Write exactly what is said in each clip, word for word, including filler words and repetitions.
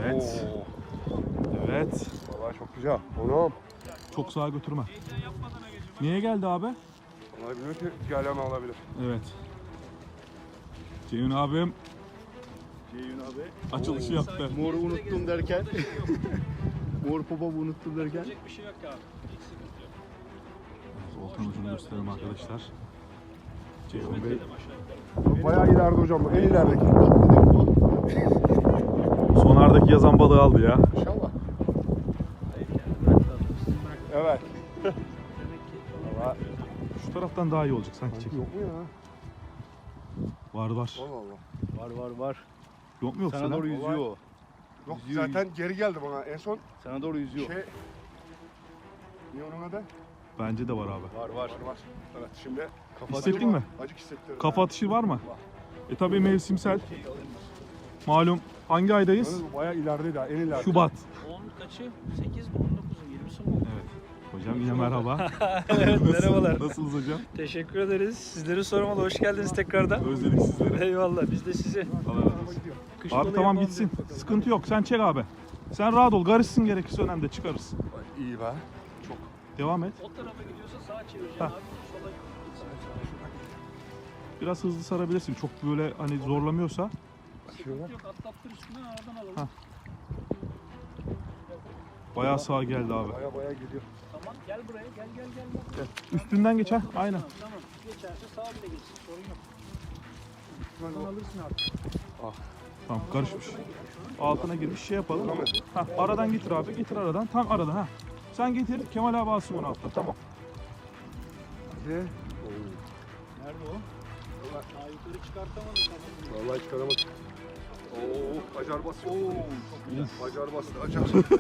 Evet. Oo. Evet. Vallahi çok güzel. Oğlum. Çok sağa götürme. Niye geldi abi? Vallahi bilmiyorum ki galama alabilir. Evet. Ceyhun abim Ceyhun abi. açılışı Oo. yaptı. Moru unuttum derken. Mor popo unuttum derken. Bir şey yok abi. Hiç sıkıntı yok. Volkan ucunu gösterelim arkadaşlar. Ceyhun Bey Bayağı ileride hocam. En ilerideki. sonardaki yazan balığı aldı ya. İnşallah. Evet. Valla. Şu taraftan daha iyi olacak sanki çekim. Yok mu ya? Var var. Allah Allah. Var var var. Yok mu yoksa Sana lan? doğru yüzüyor o. Yok Yüzüyor, zaten geri geldi bana. En son Sana doğru yüzüyor. şey... Ne onun adı? Bence de var abi. Var var. Var var. Evet şimdi... Kafa Hissettin mi? Acık hissettirdim. Kafa atışı var mı? E tabi mevsimsel. Malum hangi aydayız? Yalnız bu bayağı ilerideydi ha. En ileride. Şubat. on kaçı? sekiz mi? on dokuz mu? yirmisi mi? Evet. Hocam yine merhaba. Evet, merhabalar. Nasılsınız hocam? Teşekkür ederiz. Sizleri sormalı. Hoş geldiniz tekrardan. Özledik sizleri. Eyvallah. Biz de sizi. Allah razı olsun. Kış Abi balığı tamam yapalım gitsin. dedik. Sıkıntı yok. Sen çek abi. Sen rahat ol. Karışsın gerekirse önemli çıkarız. İyi be. Devam et. O tarafa gidiyorsa sağa çevireceksin Ha. abi. Sola gitsin. Biraz hızlı sarabilirsin. Çok böyle hani zorlamıyorsa. Sıkıntı yok. Atlattır üstüne aradan alalım. Ha. Bayağı sağa geldi abi. Bayağı bayağı gidiyor. Tamam. Gel buraya. Gel gel gel. gel. Üstünden geçer. Aynen. Tamam. Tamam. Geçerse sağa bile geçsin. Sorun yok. Sen alırsın abi. Tamam karışmış. Altına girmiş şey yapalım. Ha, aradan getir abi. Getir aradan. Tam aradan ha. Sen getir. Kemal abi alsın onu altta. Tamam. Ne? Nerede o? Daha yukarı çıkartamadım. Tamam. Vallahi çıkaramadım. Oo, acar basıyor. Oo, acar bastı, acar.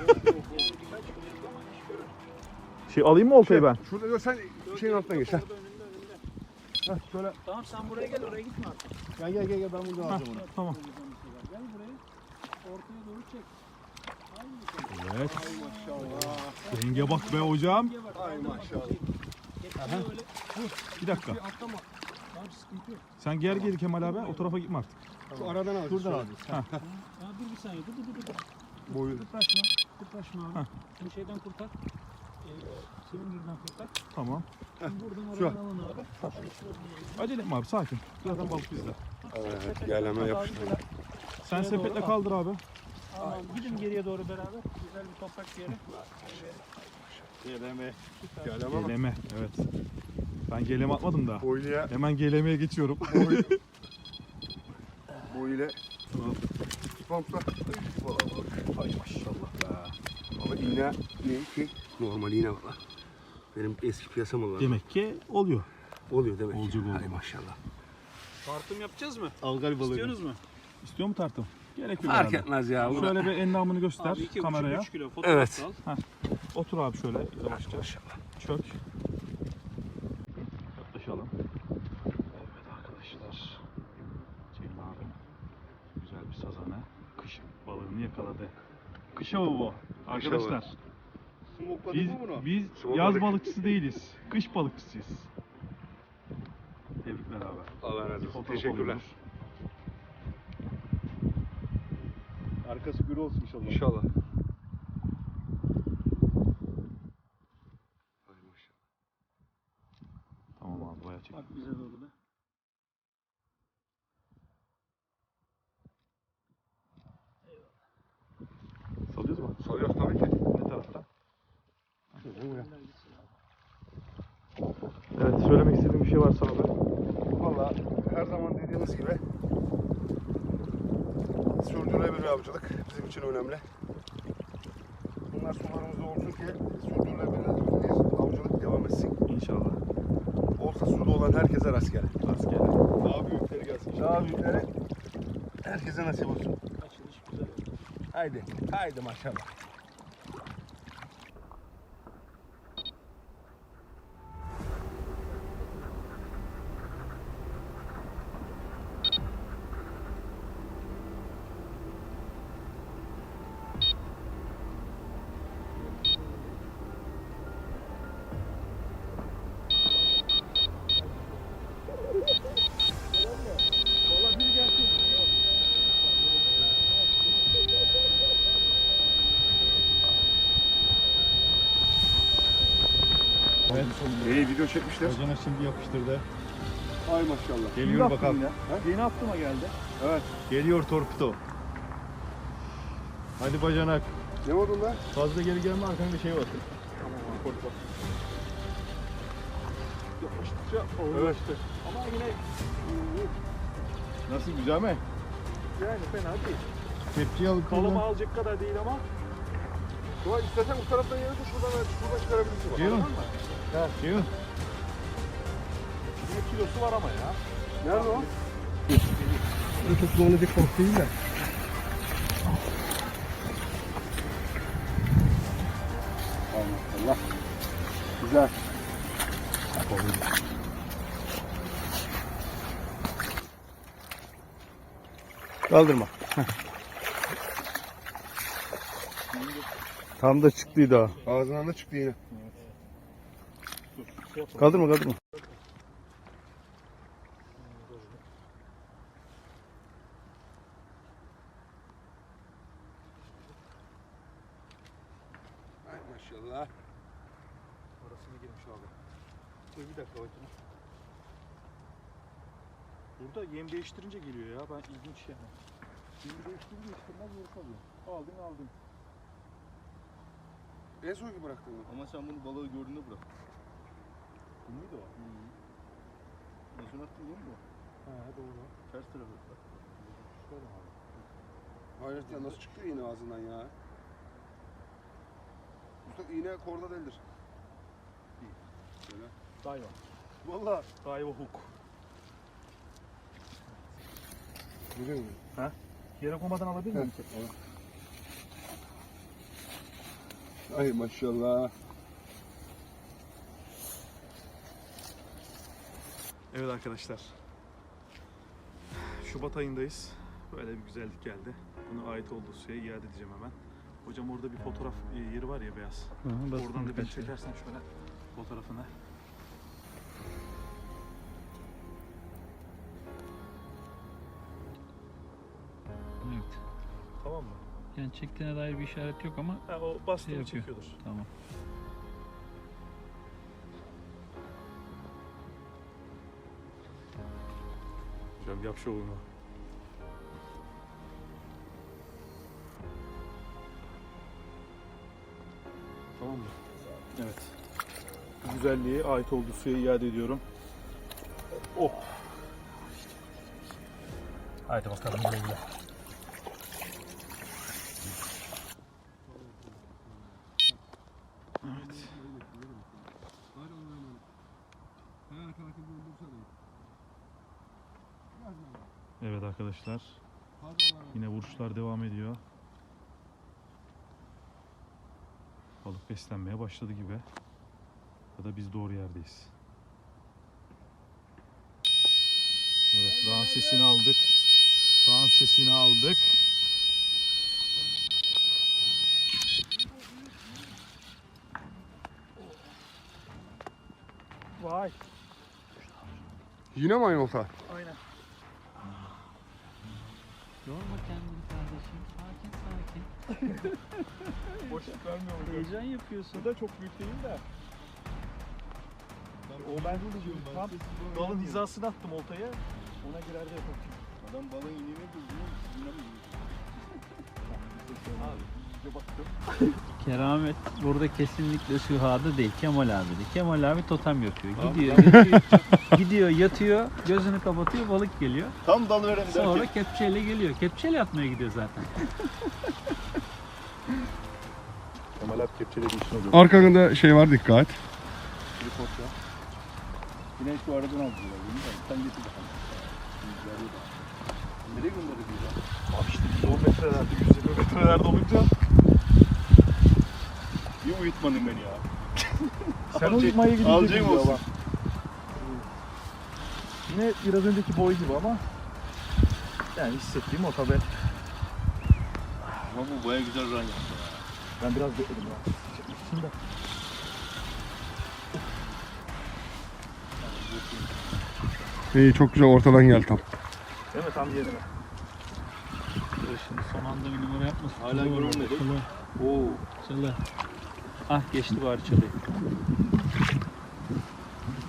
Şey alayım mı oltayı ben? Şurada gör sen şeyin altına geç ha. Orada önünde önünde. Heh, şöyle. Tamam sen buraya gel. Oraya gitme artık. Gel gel gel gel ben buradan alacağım onu. Tamam. Gel buraya. Ortaya doğru çek. Haydi. Evet. Maşallah. Denge bak be hocam. Ay maşallah. Getir öyle. Bir dakika. Bir atlama. Abi sıkıntı yok. Sen geri geri Kemal abi. O tarafa gitme artık. Şu aradan al. Şuradan al. Ya dur bir saniye. Dur dur dur. dur. Boyu. Kıpraşma. Kıpraşma abi. Heh. Bunu şeyden kurtar. Ee, Silindirden kurtar. Tamam. Buradan Şu. aradan alın abi. Acele etme abi sakin. Zaten balık bizde. Evet, geleme yapıştı. Sen sepetle kaldır abi. Tamam. Gidin geriye doğru beraber. Güzel bir toprak bir yere. Geleme. Geleme ama. Geleme. Evet. Ben geleme atmadım da. Boyluya, Hemen gelemeye geçiyorum. boy. Boy ile. Pampla. Ay maşallah be. Ama iğne ne ki? Normal iğne valla. Benim eski piyasam olan. Demek ki oluyor. Oluyor demek. Olacak oldu. Hay maşallah. Tartım yapacağız mı? Algal balığı. İstiyorsunuz mu? İstiyor mu tartım? Gerek yok Fark herhalde. etmez ya. bu da- Şöyle bir endamını göster Abi iki kameraya. buçuk üç kilo fotoğraf Evet. al. Otur abi şöyle yavaşça. Maşallah. Çök. Yaklaşalım. Evet arkadaşlar. Ceyhun abi güzel bir sazanı. Kış balığını yakaladı. Kış avı bu arkadaşlar. Smokladık Biz, mı bunu? biz Smokladık. yaz balıkçısı değiliz. Kış balıkçısıyız. Tebrikler abi. Allah razı olsun. Fotoğraf Teşekkürler. alıyoruz. Arkası gür olsun inşallah. İnşallah. Hay maşallah. Tamam abi bayağı çek. Bak bize doğru da. Salıyoruz mu? Soruyoruz tabii ki. Ne tarafta? Evet söylemek istediğim bir şey varsa abi. Valla her zaman dediğimiz gibi sürdürülebilir avcılık bizim için önemli. Bunlar sularımızda olsun ki sürdürülebilir bir avcılık devam etsin. İnşallah. Olsa suda olan herkese rastgele. Rastgele. Daha büyükleri gelsin. Daha büyükleri herkese nasip olsun. Açılış güzel. Haydi, haydi maşallah. Evet. İyi video çekmişler. Bacana şimdi yapıştırdı. Ay maşallah. Geliyor bakalım. Yeni aklıma geldi. Evet. Geliyor torpido. Hadi bacanak. Ne oldu lan? Fazla geri gelme, arkanda şey var. Evet. Ama yine Nasıl, güzel mi? yani fena değil. Kepçeyi alıp Kalama kullan. alacak kadar değil ama. Ulan istersen bu taraftan yere de şuradan, şuradan çıkarabilirsin. bak. Ceyhun. Anladın mı? Ceyhun. Yine kilosu var ama ya. Nerede o? Çok zorlayacak balık değil de. Ay maşallah. Güzel. Kaldırma. Tam da çıktıydı ha. Ağzından da çıktı yine. Kaldırma kaldırma. Ay maşallah. Arasına girmiş abi. Dur bir dakika bakayım. Burada yem değiştirince geliyor ya. Ben ilginç yani. Yemi değiştirince değiştirmez yeri kalıyor. Aldın aldın. En son ki bıraktın mı? Ama sen bunu balığı gördüğünde bırak. Bu muydu o? Nasıl attın değil mi bu? He doğru. Ters tarafı. Şöyle abi. Hayret ya, nasıl çıktı iğne ağzından ya? Mustafa iğne korda değildir. Şöyle. Dayva. Valla. Dayva hook. Görüyor musun? Yere koymadan alabilir miyim? Ay maşallah. Evet arkadaşlar. Şubat ayındayız. Böyle bir güzellik geldi. Buna ait olduğu suya iade edeceğim hemen. Hocam orada bir fotoğraf yeri var ya, beyaz. Oradan da bir çekersen şöyle fotoğrafını. Evet. Tamam mı? Yani çektiğine dair bir işaret yok ama Ha, o bastığını Şey yapıyor. çekiyordur. tamam. Hocam yap şovunu. Tamam mı? Evet. Bu güzelliğe ait olduğu suya iade ediyorum. Oh. Haydi bakalım güle güle. Evet. Evet arkadaşlar. Yine vuruşlar devam ediyor. Balık beslenmeye başladı gibi. Ya da biz doğru yerdeyiz. Evet, dağın sesini aldık. Dağın sesini aldık. Vay. Yine mi aynı olta? Aynen. Yorma kendini kardeşim. Sakin sakin. Boşluk vermiyor mu? Heyecan yapıyorsun. Bu da çok büyük değil de. O ben de diyorum. Tam dalın hizasına attım oltayı. Ona girer de yapalım. Adam balığın iğneye buldu. Abi, iyice baktım. Keramet burada kesinlikle Süha'da değil, Kemal abi. Kemal abi totem yapıyor. Gidiyor, gidiyor, gidiyor, yatıyor, gözünü kapatıyor, balık geliyor. Tam dal veren Sonra derken. kepçeyle geliyor. Kepçeyle atmaya gidiyor zaten. Kemal abi kepçeledi işin oluyor. Arkanda şey var, dikkat. Tripod ya. Yine şu aradan aldılar. Sen getir bakalım. Nereye gönderdi ya? Abi işte biz on metrelerde, yüz yirmi metrelerde olunca Bir uyutmadın beni ya. sen Alacak- uyutmaya gidince alacağım gidiyor olsun. ama. Yine biraz önceki boy gibi ama yani hissettiğim o tabi. Ama bu baya güzel run yaptı. Ben biraz bekledim ya. Şimdi İyi, çok güzel ortadan geldi tam. değil mi tam yerine? Dur şimdi son anda bir numara yapmasın. Hala Çalı var görünmedi. orada, çalı. Oo. Çalı. Ah geçti bari çalıyı.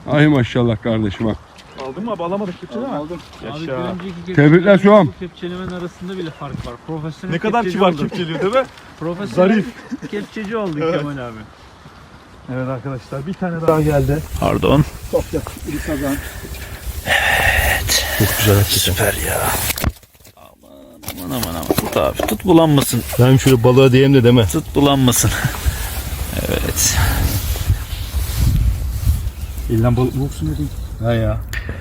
Ay maşallah kardeşim bak. Aldın mı abi? Alamadık kepçe değil mi? Aldım. Abi Yaşa. bir önceki kepçe- Tebrikler şu an. Bu kepçelemen arasında bile fark var. Profesyonel Ne kadar kepçeci kibar olduk. kepçeliyor değil mi? Profesyonel Zarif. kepçeci olduk Kemal abi. Evet arkadaşlar bir tane daha geldi. Pardon. Çok yakın. Bir kazan. Çok güzel hakikaten. Süper ya. Aman aman aman. Tut abi. Tut bulanmasın. Ben şöyle balığa diyeyim de deme. Tut bulanmasın. Evet. Elden balık bulsun dedim. Ha ya.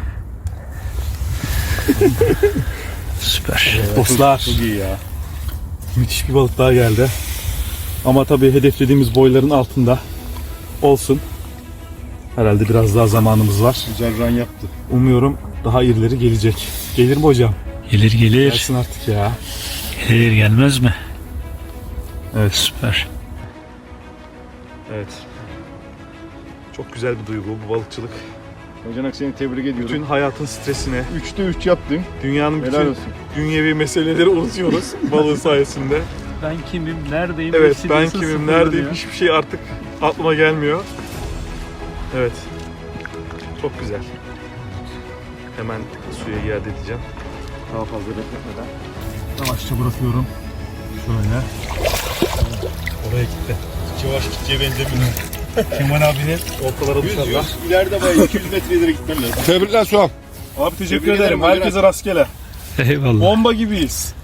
Süper. Dostlar. Çok iyi ya. Müthiş bir balık daha geldi. Ama tabii hedeflediğimiz boyların altında olsun. Herhalde biraz daha zamanımız var. Güzel run yaptı. Umuyorum daha irileri gelecek. Gelir mi hocam? Gelir gelir. Gelsin artık ya. Gelir gelmez mi? Evet. Süper. Evet. Çok güzel bir duygu bu balıkçılık. Bacanak seni tebrik ediyorum. Bütün hayatın stresine, Üçte üç yaptın. dünyanın Helal bütün olsun. dünyevi meseleleri unutuyoruz balığın sayesinde. Ben kimim? Neredeyim? Evet, Hepsi ben diyorsun, kimim, sıfırlanıyor. neredeyim hiçbir şey artık aklıma gelmiyor. Evet. Çok güzel. Hemen suya iade edeceğim. Daha fazla bekletmeden. Yavaşça bırakıyorum. Şöyle. Oraya gitti. Yavaş gideceğe benzemiyor. Kemal abinin ortalara dışarıda. İleride bayağı iki yüz metre ileri gitmen lazım. Tebrikler Suam. Abi teşekkür Tebrik ederim. ederim, Herkese rastgele. Eyvallah. Bomba gibiyiz.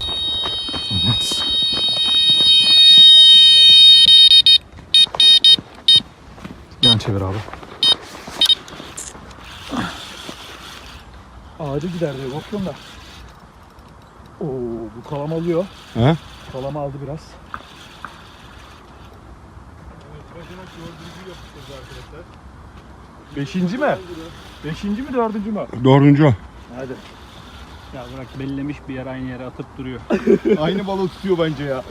Yan çevir abi. Ağacı gider diye korktum da. Oo, bu kalam alıyor. He? Kalam aldı biraz. Beşinci mi? Beşinci mi dördüncü mü? Dördüncü o. Hadi. Ya bırak bellemiş bir yer aynı yere atıp duruyor. Aynı balığı tutuyor bence ya.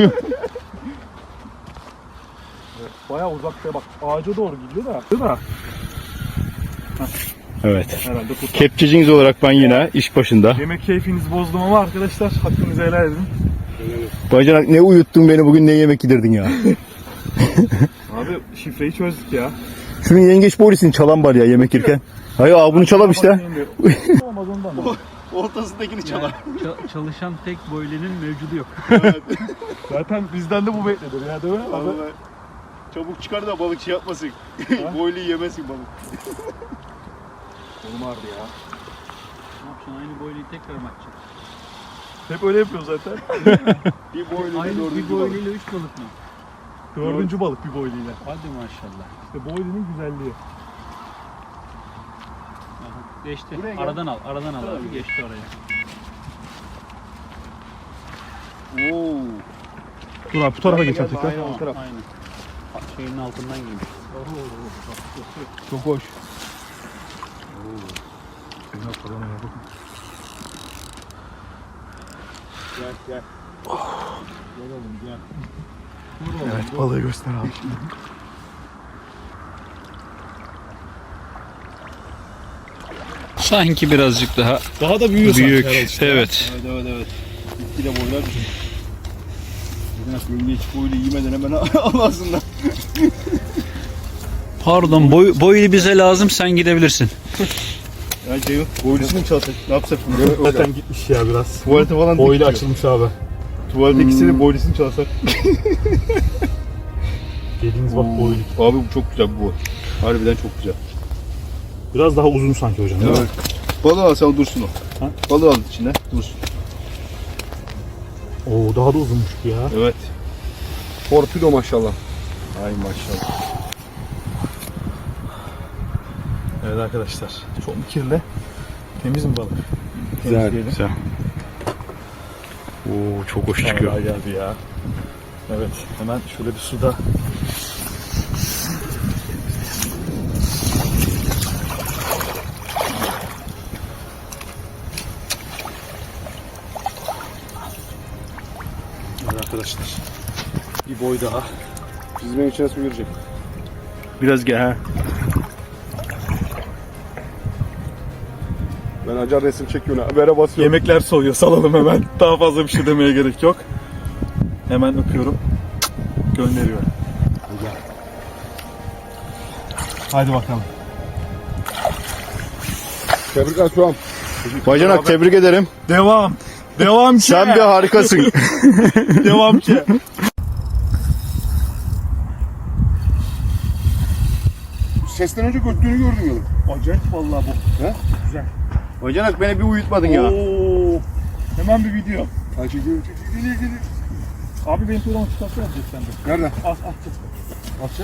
Bayağı uzakta bak ağaca doğru gidiyor da. Değil mi? Evet. Herhalde kurtar. Kepçeciniz olarak ben yine iş başında. Yemek keyfinizi bozdum ama arkadaşlar hakkınızı helal edin. Bacanak ne uyuttun beni bugün, ne yemek yedirdin ya. Abi şifreyi çözdük ya. Şunun yengeç borisini çalan var ya yemek yerken. Hayır abi bunu çalam işte. Olmaz ondan. da. Ortasındakini Yani ça- çalışan tek boylinin mevcudu yok. Zaten bizden de bu beklenir ya değil mi? Abi? Vallahi çabuk çıkar da balık şey yapmasın. Boylu yemesin balık. Oğlum vardı ya. Ne yapacaksın? Aynı boyluyu tekrar mı atacaksın? Hep öyle yapıyor zaten. Bir boylu Aynı bir boyluyla üç balık mı? Dördüncü balık bir boyluyla. Hadi maşallah. İşte boylunun güzelliği. Aha, geçti. Buraya gel. Aradan al, aradan al abi. Geçti oraya. Oo. Dur abi bu tarafa geç artık. Aynen o taraf. Aynen. Şeyin altından giymiş. Çok hoş. Gel gel. Gel oğlum gel. Evet balığı göster abi. Sanki birazcık daha Daha da büyüyor büyük. sanki herhalde işte. Evet. Evet evet evet. Gitgide boylar düşün. Bacanak yengeç boylu yemeden hemen al ağzından. Pardon, boy, boylu bize lazım, sen gidebilirsin. Ya Ceyhun boylusunu mu çalsak? Ne yapsak bunu? Zaten gitmiş ya biraz. Tuvalete falan Boylu dikiyor. açılmış abi. Tuvaletteki hmm. boylusunu çalsak. Dediğiniz bak boylu. Abi bu çok güzel bu boy. Harbiden çok güzel. Biraz daha uzun sanki hocam değil mi? Balığı al sen dursun o. Ha? Balığı al içine dursun. Oo daha da uzunmuş bu ya. Evet. Torpido maşallah. Ay maşallah. Evet arkadaşlar. Çok mu kirli? Temiz mi balık? Güzel Temizleyelim. güzel. Oo, çok hoş Vallahi geldi ya. Evet hemen şöyle bir suda. Evet arkadaşlar. Bir boy daha. Çizmenin içine su girecek. Biraz gel ha. Ben acar resim çekiyorum. Habere basıyorum. Yemekler soğuyor salalım hemen. Daha fazla bir şey demeye gerek yok. Hemen öpüyorum. Gönderiyorum. Hadi bakalım. Tebrikler Tuğam. Bacanak tebrik ederim. Devam. Devam ki. Sen bir harikasın. Devam ki. Sesten önce göttüğünü gördüm yolum. Acayip vallahi bu. He? Güzel. Bacanak beni bir uyutmadın ya. Oo. Hemen bir video. Ha çekiyor, çekiyor, geliyor, geliyor. Abi benim programı çıkartsana yapacak sende. Nerede? Az az çık. Atça.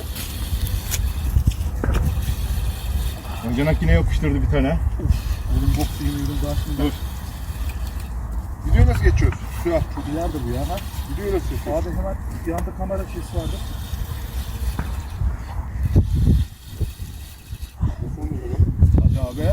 Bacanak yine yapıştırdı bir tane. Oğlum bok yemiyorum daha şimdi. Dur. Video nasıl geçiyoruz? Şu an. Çok ileride bu ya. Ha? Video nasıl geçiyoruz? Abi hemen yanında kamera şeysi vardı. Hadi abi.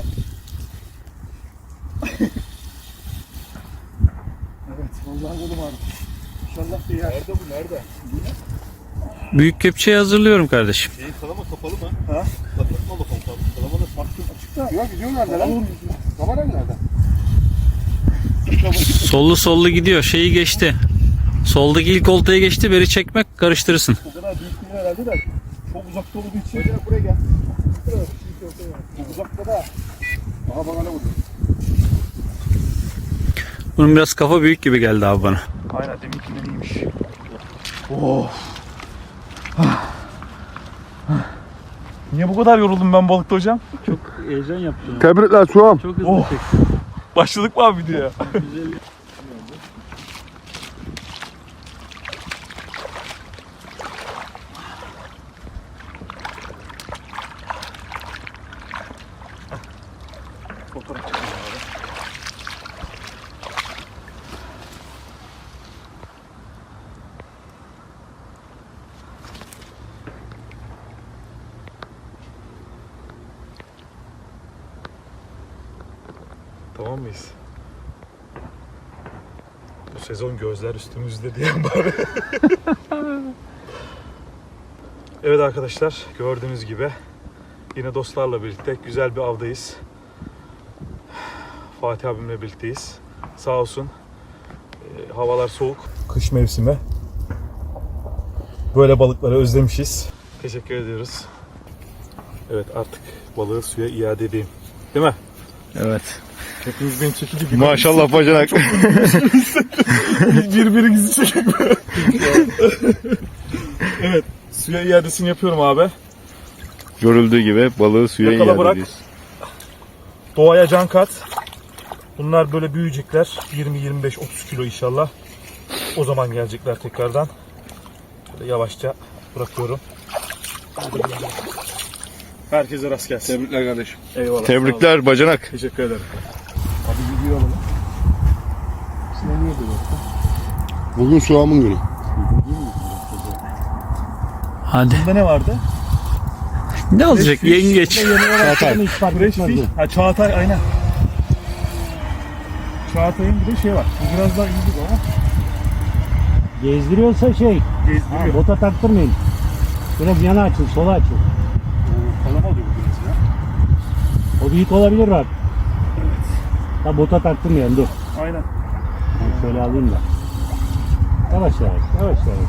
Evet vallahi oğlum abi. İnşallah bir yer. Nerede bu? Nerede? Büyük kepçeyi hazırlıyorum kardeşim. Şeyin kalama kapalı mı? Ha? Kapatma bakalım. Kalama da Baktım açıkta. Ya video nerede lan? Kamera nerede? Sollu sollu gidiyor. Şeyi geçti. Soldaki ilk oltaya geçti. Beri çekmek karıştırırsın. O kadar büyük değil herhalde de çok uzakta olduğu için. Bacanak buraya gel. Çok uzakta da. Aha bana ne vurdu? Bunun biraz kafa büyük gibi geldi abi bana. Aynen deminkinden iyiymiş. Niye bu kadar yoruldum ben balıkta hocam? Çok heyecan yaptım. Tebrikler Tuğam. Çok hızlı Oh. çektim. Başladık mı abi videoya? Güzel. Fotoğraf çekelim abi. Tamam mıyız? Bu sezon gözler üstümüzde diyen bari. Evet arkadaşlar, gördüğünüz gibi yine dostlarla birlikte güzel bir avdayız. Fatih abimle birlikteyiz. Sağ olsun. E, havalar soğuk. Kış mevsimi. Böyle balıkları özlemişiz. Teşekkür ediyoruz. Evet artık balığı suya iade edeyim. Değil mi? Evet. Hepiniz beni çekici gibi. Maşallah bacanak. Birbirinizi çekin. Evet. Suya iadesini yapıyorum abi. Görüldüğü gibi balığı suya Yakala iade bırak. ediyoruz. Doğaya can kat. Bunlar böyle büyüyecekler. yirmi yirmi beş otuz kilo inşallah. O zaman gelecekler tekrardan. Böyle yavaşça bırakıyorum. Herkese rast gelsin. Tebrikler kardeşim. Eyvallah. sağ olun. Tebrikler bacanak. Teşekkür ederim. Abi video alalım. Size niye böyle? Bugün Suam'ın günü. Hadi. Bunda ne vardı? Ne olacak? Yengeç. Çağatay. Hiç fark Fresh etmez fish. Ha Çağatay aynen. Çağatay'ın bir de şey var. Bu biraz daha iyi gibi ama. Gezdiriyorsa şey, ha, Gezdiriyor. bota taktırmayın. Biraz yana açın, sola açın. Kalama oluyor bu biraz ya. O büyük olabilir bak. Ha, bota taktırmayın, dur. Aynen. Ben şöyle alayım da. Yavaş yavaş, yavaş yavaş.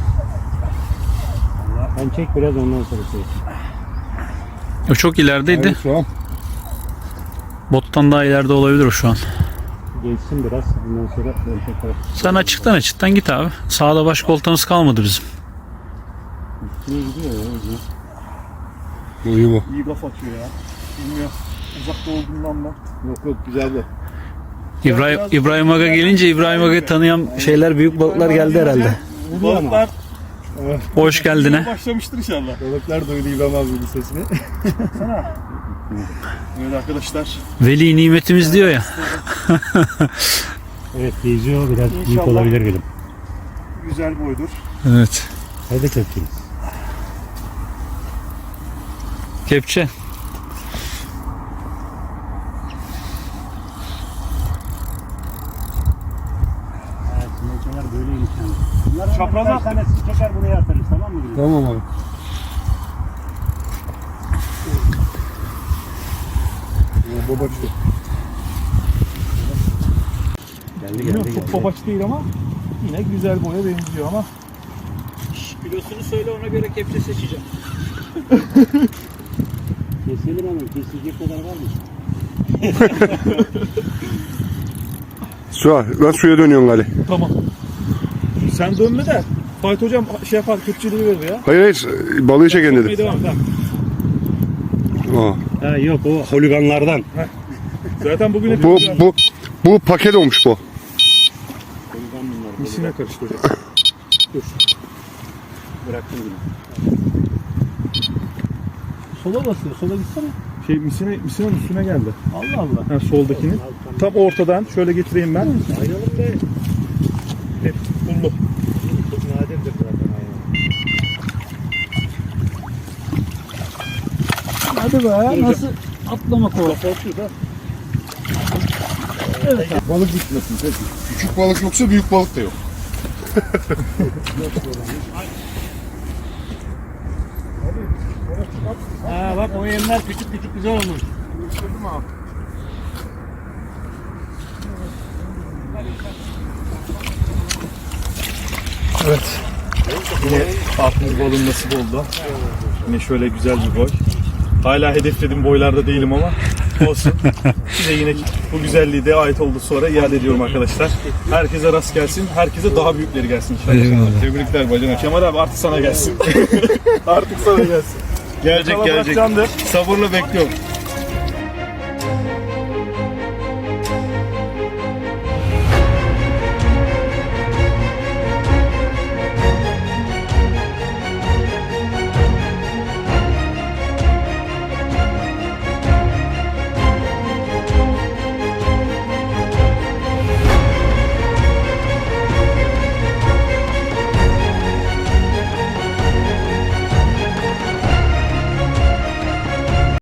Ben çek biraz ondan sonra şey. O çok ilerideydi. Suam. Bottan daha ileride olabilir o şu an. Geçsin biraz, ondan sonra ben tekrar. Sen açıktan açıktan git abi. Sağda başka oltamız kalmadı bizim. Niye gidiyor ya? Bu iyi bu. İyi gaf atıyor ya. Bilmiyorum. Uzakta olduğundan mı? Yok yok güzeldi. İbrahim, İbrahim Aga gelince İbrahim Aga'yı tanıyan şeyler, büyük balıklar geldi herhalde. Balıklar Hoş geldine. başlamıştır inşallah. Balıklar duydu İbrahim abinin sesini. Sana. Evet arkadaşlar. Veli nimetimiz diyor ya. Evet, geziyor, biraz büyük İnşallah. olabilir benim. Güzel boydur. Evet. Hadi kepçeniz. Kepçe. Evet, sinekler böyleymiş yani. Bunların Çapraz birkaç attık. tanesini çeker buraya atarız, tamam mı? Tamam abi. Baba çıktı. Geldi Bilmiyorum geldi çok geldi. babaç değil ama yine güzel boya benziyor ama. Kilosunu söyle, ona göre kepçe seçeceğim. Keselim hemen, kesilecek kadar var mı? Suha, lan suya dönüyorsun Ali. Tamam. Sen dönme de. Fahit hocam şey yapar, köpçeliği verir ya. Hayır hayır, balığı çeken Hadi dedim. devam, tamam. Aa. Ha, yok o holiganlardan. Zaten bugün hep Bu, bu, bu paket olmuş bu. Holigan bunlar. misine karıştı hocam. Dur. Bıraktım yine. Sola basıyor. Sola gitsene. Şey misine, misinenin üstüne geldi. Allah Allah. Ha, soldakinin. Tam ortadan şöyle getireyim ben. Ayrılık da Hep buldu. çok nadirdir zaten aynen. Hadi be. Nasıl atlamak o? Balık gitmesin. Küçük balık yoksa büyük balık da yok. Ha bak o yemler küçük küçük güzel olmuş. Evet. Yine altımız balığın nasip oldu. Yine şöyle güzel bir boy. Hala hedeflediğim boylarda değilim ama olsun. Size yine bu güzelliği de ait oldu sonra iade ediyorum arkadaşlar. Herkese rast gelsin. Herkese daha büyükleri gelsin inşallah. Tebrikler bacana. Kemal abi artık sana gelsin. Artık sana gelsin. Gelecek Kalabalık gelecek. candır. Sabırla bekliyorum.